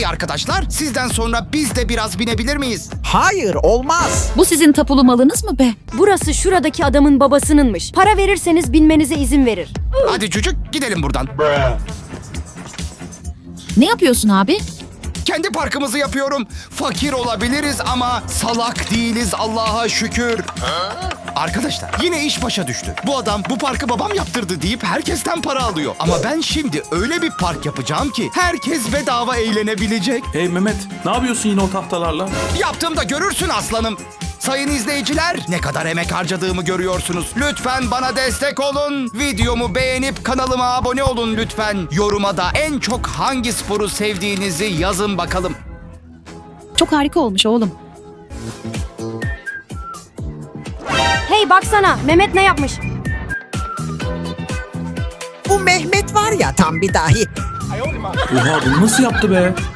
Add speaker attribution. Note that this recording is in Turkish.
Speaker 1: arkadaşlar, sizden sonra biz de biraz binebilir miyiz?
Speaker 2: Hayır, olmaz.
Speaker 3: Bu sizin tapulu malınız mı be?
Speaker 4: Burası şuradaki adamın babasınınmış. Para verirseniz binmenize izin verir.
Speaker 1: Hadi çocuk, gidelim buradan.
Speaker 3: Ne yapıyorsun abi?
Speaker 1: Kendi parkımızı yapıyorum. Fakir olabiliriz ama salak değiliz, Allah'a şükür. Arkadaşlar, yine iş başa düştü. Bu adam bu parkı babam yaptırdı deyip herkesten para alıyor. Ama ben şimdi öyle bir park yapacağım ki herkes bedava eğlenebilecek.
Speaker 5: Hey Mehmet, ne yapıyorsun yine o tahtalarla?
Speaker 1: Yaptığımda görürsün aslanım. Sayın izleyiciler, ne kadar emek harcadığımı görüyorsunuz. Lütfen bana destek olun. Videomu beğenip kanalıma abone olun lütfen. Yoruma da en çok hangi sporu sevdiğinizi yazın bakalım.
Speaker 3: Çok harika olmuş oğlum.
Speaker 4: Hey baksana, Mehmet ne yapmış?
Speaker 2: Bu Mehmet var ya tam bir dahi.
Speaker 5: Oha bunu nasıl yaptı be?